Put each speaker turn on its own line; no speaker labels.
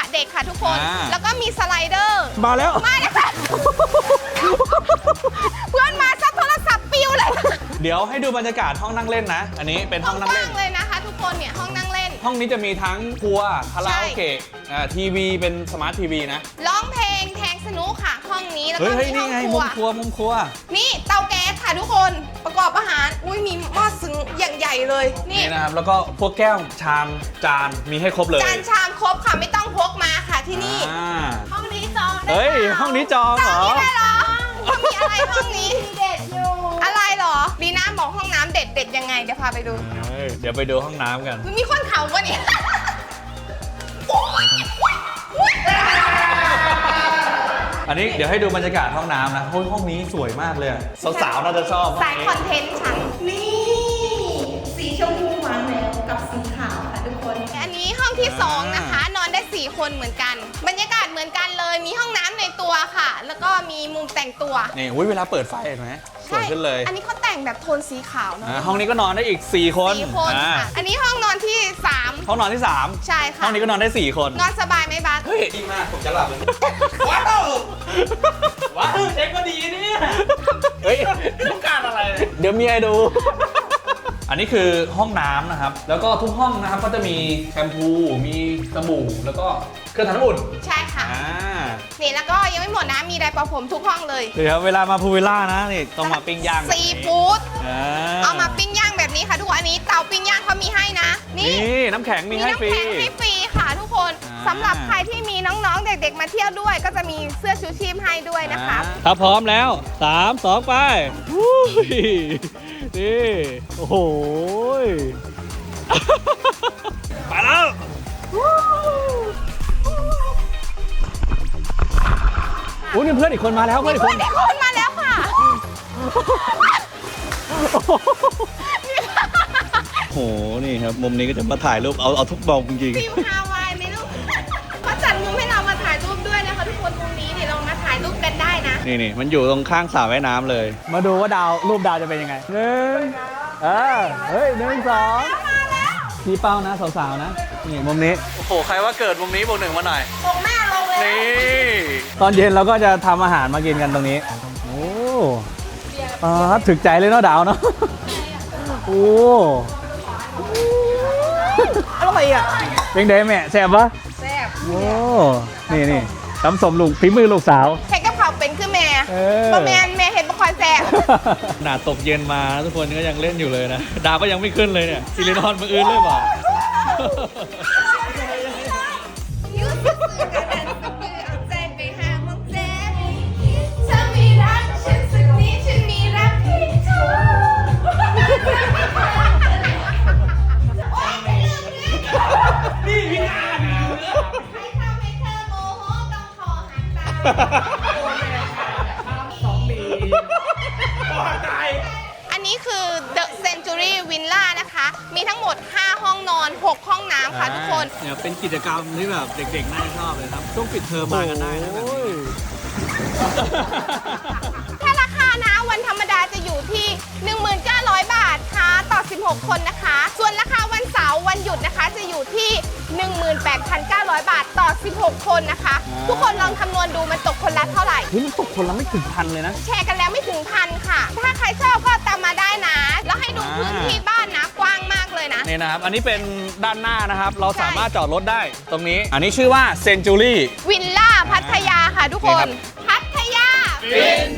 เด็กค่ะทุกคนแล้วก็มีสไลเดอร์
มาแล้ว
ค่ะเพื่อนมาซัดโทรศัพท์ปิวเลย
เดี๋ยวให้ดูบรรยากาศห้องนั่งเล่นนะอันนี้เป็นห้องนั่งเล่น
เลยนะคะทุกคนเนี่ยห้องนั่งเล่น
ห้องนี้จะมีทั้งครัวคาราโอเกะทีวีเป็นสมาร์ททีวีนะ
ร้องเพลงแทงสนุกค่ะห้องนี้แล้วก็มีห้องครัว
มุมครัว
นี่เตาแก๊สค่ะทุกคนประกอบอาหารอุ้ยมีหม้อซึ้งอย่างใหญ่เลย
นี่นะครับแล้วก็พวกแก้วชามจานมีให้ครบเลย
จานชามครบค่ะไม่ต้องพกมาค่ะที่นี่ห้องนี้จอง
เฮ้ยห้องนี้จองเหรอ
เขามีอะไรห้องนี้เด็ดอยู่อะไรเหรอดีน่าบอกห้องน้ำเด็ดยังไงเดี๋ยวพาไปดู
เดี๋ยวไปดูห้องน้ำกัน
มีคนเขาปะเนี่ย
อันนี้เดี๋ยวให้ดูบรรยากาศห้องน้ำนะห้องนี้สวยมากเลยสาวๆน่าจะชอบ
สายคอนเทนต์ฉันนี่สีชมพูหวานแล้วกับสีขาวค่ะทุกคนอันนี้ห้องที่2นะคะนอนได้4คนเหมือนกันบรรยากาศเหมือนกันเลยมีห้องน้ำในตัวค่ะแล้วก็มีมุมแต่งตัว
นี่เวลาเปิดไฟเห็นไหมสวยขึ้นเลย
อันนี้เขาแต่งแบบโทนสีขาวเนาะ
ห้องนี้ก็นอนได้อีก4 คน
อันนี้ห้องนอนที่3
ห้องนอนที่3
ใช่ค่ะ
ห้องนี้ก็นอนได้4 คน
นอนสบายไหมบัส
เฮ้ยดีมากผมจะหลับเลยว้าวเช็คก็ดีเนี่ยเฮ้ยต้องการอะไรเดี๋ยวมีให้ดูอันนี้คือห้องน้ำนะครับแล้วก็ทุกห้องนะครับก็จะมีแชมพูมีสบู่แล้วก็เครื่องทำน้ำอุ่น
ใช่ค่ะนี่แล้วก็ยังไม่หมดนะมีไดร์เป่าผมทุกห้องเลย
เดี๋ยวเวลามาพูวิลล่านะนี่ต้องมาปิ้งย่าง
ซีฟู้ดเอามาปิ้งย่างแบบนี้ค่ะทุกคนอันนี้เตาปิ้งย่างเขามีให้นะ
นี่น้ำแข็งมีให้ฟรี
ค่ะทุกคนสำหรับใครที่มีน้องๆเด็กๆมาเที่ยวด้วยก็จะมีเสื้อชูชีพให้ด้วยนะคะ
ถ้าพร้อมแล้ว3 2ไปนี่โอ้โหไปแล้วอุ้ยมีเพื่อนอีกคนมาแล้วเพื่อนอีกคน
มาแล้วค่ะ
โหนี่ครับมุมนี้ก็จะมาถ่ายรูปเอาทุกมุมจริง
ๆฟิลฮาวายไหมลูกเขาจัดมุมให้เรามาถ่ายรูปด้วยนะคะทุกคนมุมนี้เดี๋ยวเรามาถ่ายรูปกันได้นะ
นี่มันอยู่ตรงข้างสระว่ายน้ำเลยมาดูว่ารูปดาวจะเป็นยังไงเฮ้ย1 2พี่เป้านะสาวๆนะนี่มุมนี้โอ้โหใครว่าเกิดมุมนี้บวก 1มาหน่อย
บวกแม่ลงเลย
นี่ตอนเย็นเราก็จะทำอาหารมากินกันตรงนี้โอ้ถึกใจเลยเนาะดาวเนาะโอ้อร่อยอ่ะเป็นไงแม่แซ่บปะ
แซ่บ
โอ้นี่ทำสมลูกฝีมือลูกสาว
ใช้กับเขาเป็นคือแม่ก็แม่เห็นบุคคลแซ่บ
หนาตกเย็นมาทุกคนก็ยังเล่นอยู่เลยนะดาวก็ยังไม่ขึ้นเลยเนี่ยซิลินอนมืออื่นเลยเปล่านี่พี่นา
ให้ทำให้เธอโมโหต้องคอหักตาอันนี้คือ The Century Villa นะคะมีทั้งหมด5ห้องนอน6ห้องน้ำค่ะทุกคน
เนี่ยเป็นกิจกรรมที่แบบเด็กๆน่าจะชอบเลยครับช่วงปิดเทอมมากันได้นะแบบนี้
ถ้าราคานะวันธรรมดาจะอยู่ที่ 19,000 บาทค่ะต่อ16คนนะคะส่วนราคาวันเสาร์วันหยุดนะคะจะอยู่ที่ 18,900 บาทต่อ16คนนะคะทุกคนลองคำนวณดูมันตกคนละเท่าไหร่
มันตกคนละไม่ถึง1,000เลยนะ
แชร์กันแล้วไม่ถึง1,000ค่ะถ้าใครชอบก็ตามมาได้นะแล้วให้ดูพื้นที่บ้านนะกว้างมากเลยนะ
นี่นะครับอันนี้เป็นด้านหน้านะครับเราสามารถจอดรถได้ตรงนี้อันนี้ชื่อว่า Century
Villa พัทยาค่ะทุกคนพัทยา
ฟิน